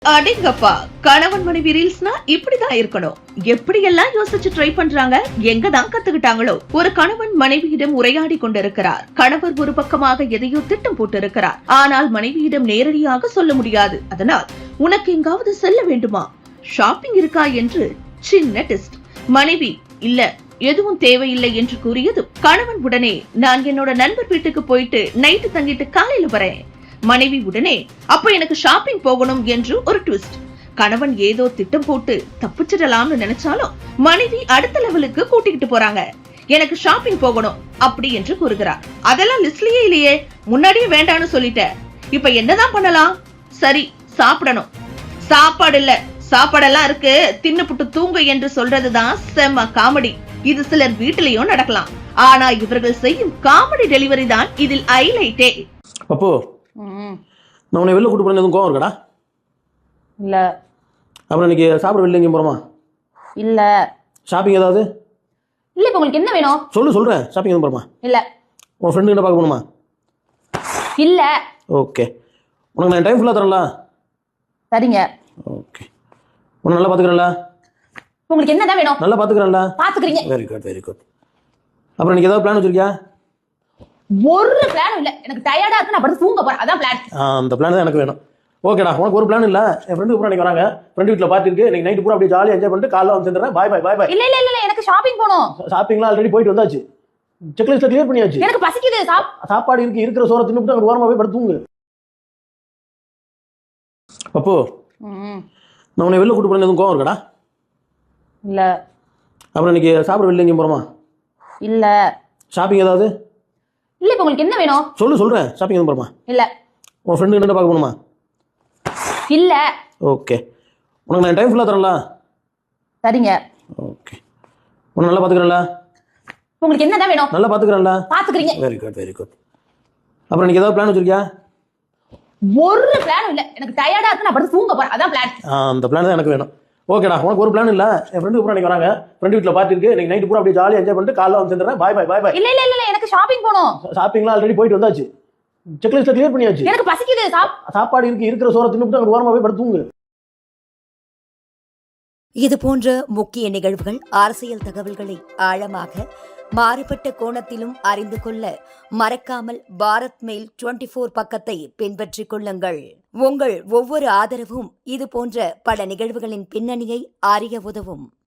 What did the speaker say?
அடேங்கப்பா, கணவன் மனைவி ரீல்ஸ்னா இப்படிதான் இருக்கணும். எப்படியெல்லாம் யோசிச்சு ட்ரை பண்றாங்க, எங்கதான் கத்துக்கிட்டாங்களோ. ஒரு கணவன் மனைவியிடம் உரையாடி கொண்டிருக்கிறார். கணவர் ஒரு பக்கமாக எதையோ திட்டம் போட்டு இருக்கிறார். ஆனால் மனைவியிடம் நேரடியாக சொல்ல முடியாது. அதனால் உனக்கு எங்காவது செல்ல வேண்டுமா, ஷாப்பிங் இருக்கா என்று சின்ன டெஸ்ட். மனைவி இல்ல எதுவும் தேவையில்லை என்று கூறியது கணவன் உடனே நான் என்னோட நண்பர் வீட்டுக்கு போயிட்டு நைட்டு தங்கிட்டு காலையில வரேன். மனைவி உடனே அப்ப எனக்கு ஷாப்பிங் போகணும் என்று ஒரு ட்விஸ்ட். கணவன் ஏதோ திட்டம் போட்டு தப்பிச்சிடலாம்னு நினைச்சாலும் மனைவி அடுத்த லெவலுக்கு கூட்டிக்கிட்டு போறாங்க. எனக்கு ஷாப்பிங் போகணும் அப்படி என்று கூறுகிறார். அதெல்லாம் லிஸ்ட்லயே இல்லையே, முன்னாடியே வேண்டான்னு சொல்லிட்ட. இப்ப என்னதான் பண்ணலாம்? சரி, சாப்பிடணும். சாப்பாடு இல்ல, சாப்பாடெல்லாம் இருக்கு, தின்னுப்புட்டு தூங்க என்று சொல்றதுதான் செம்ம காமெடி. இது சிலர் வீட்டிலையும் நடக்கலாம். ஆனா இவர்கள் செய்யும் காமெடி டெலிவரி தான் இதில் ஹைலைட்டே. அப்போ நான் உன்னை வெளில கூட்டு போறேன், எதுவும் கோவம் இருக்கடா? இல்ல. அப்புறம் இன்னைக்கு சாப்பிட வெளில எங்கேயும் போறோமா? இல்ல. ஷாப்பிங் ஏதாவது? இல்ல. இப்ப உங்களுக்கு என்ன வேணும்? சொல்றேன். ஷாப்பிங் எதுவும் போறோமா? இல்ல. உன் ஃப்ரெண்டு கிட்ட பார்க்க போகணுமா? இல்ல. ஓகே, உனக்கு நான் டைம் ஃபுல்லாக தரேன்ல? சரிங்க. ஓகே, உன்னை நல்லா பார்த்துக்கிறேன்ல? உங்களுக்கு என்னதான் வேணும்? நல்லா பார்த்துக்கிறேன்ல? பார்த்துக்கிறீங்க. Very good, very good. அப்புறம் இன்னைக்கு ஏதாவது பிளான் வச்சிருக்கியா? ஒரு பிளான் இல்ல, எனக்கு டயர்டா இருக்கு, நான் படுத்து தூங்க போறேன், அதான் பிளான். அந்த பிளான் தான் எனக்கு வேணும். ஓகேடா, உனக்கு ஒரு பிளான் இல்ல? என் ஃப்ரெண்டு பூரா இன்னைக்கு வராங்க, ஃப்ரெண்டு வீட்டில் பார்ட்டி இருக்கு, இன்னைக்கு நைட்டு பூரா அப்படியே ஜாலியாக என்ஜாய் பண்ணிட்டு காலைல வந்து சேர்ந்துறேன். பாய் பாய் பாய் பாய். இல்ல இல்ல இல்ல, எனக்கு ஷாப்பிங் போகணும். ஷாப்பிங்லாம் ஆல்ரெடி போயிட்டு வந்தாச்சு, செக்லிஸ்ட்ல கிளியர் பண்ணியாச்சு. எனக்கு பசிக்குது. சாப்பாடு இருக்கு, இருக்கிற சோறை தின்னுட்டு அங்கே ஓரமாக போய் படுத்து தூங்கு. அப்போ நான் உன்னை வெளில கூட்டு போறேன், எதுவும் கோவம் இருக்கடா? இல்ல. அப்புறம் இன்னைக்கு சாப்பிட வெளில எங்கேயும் போறோமா? இல்ல. ஷாப்பிங் ஏதாவது? இல்ல. இப்ப உங்களுக்கு என்ன வேணும்? சொல்றேன். ஷாப்பிங் எதுவும் போறோமா? இல்ல. உன் ஃப்ரெண்டு கிட்ட பார்க்க போகணுமா? இல்ல. ஓகே, உனக்கு நான் டைம் ஃபுல்லாக தரேன்ல? சரிங்க. ஓகே, உன்னை நல்லா பார்த்துக்கிறேன்ல? உங்களுக்கு என்னதான் வேணும்? நல்லா பார்த்துக்கிறேன்ல? பார்த்துக்கிறீங்க. Very good, very good. அப்புறம் இன்னைக்கு ஏதாவது பிளான் வச்சிருக்கியா? ஒரு பிளான் இல்ல, எனக்கு டயர்டா இருக்கு, நான் படுத்து தூங்க போறேன், அதான் பிளான். அந்த பிளான் தான் எனக்கு வேணும். ஓகேடா, உனக்கு ஒரு பிளான் இல்ல? என் ஃப்ரெண்டு பூரா இன்னைக்கு வராங்க, ஃப்ரெண்டு வீட்டில் பார்ட்டி இருக்கு, இன்னைக்கு நைட்டு பூரா அப்படியே ஜாலியாக என்ஜாய் பண்ணிட்டு காலைல வந்து சேர்ந்துறேன். பாய் பாய் பாய் பாய். இல்ல இல்ல இல்ல, எனக்கு ஷாப்பிங் போகணும். ஷாப்பிங்லாம் ஆல்ரெடி போயிட்டு வந்தாச்சு, செக்லிஸ்ட்ல கிளியர் பண்ணியாச்சு. எனக்கு பசிக்குது. சாப்பாடு இருக்கு, இருக்கிற சோறை தின்னுட்டு அங்கே ஓரமாக போய் படுத்து தூங்கு. இது போன்ற முக்கிய நிகழ்வுகள், அரசியல் தகவல்களை ஆழமாக மாறுபட்ட கோணத்திலும் அறிந்து கொள்ள மறக்காமல் பாரத் மெயில் 24 பக்கத்தை பின்பற்றிக் கொள்ளுங்கள். உங்கள் ஒவ்வொரு ஆதரவும் இது போன்ற பல நிகழ்வுகளின் பின்னணியை அறிய உதவும்.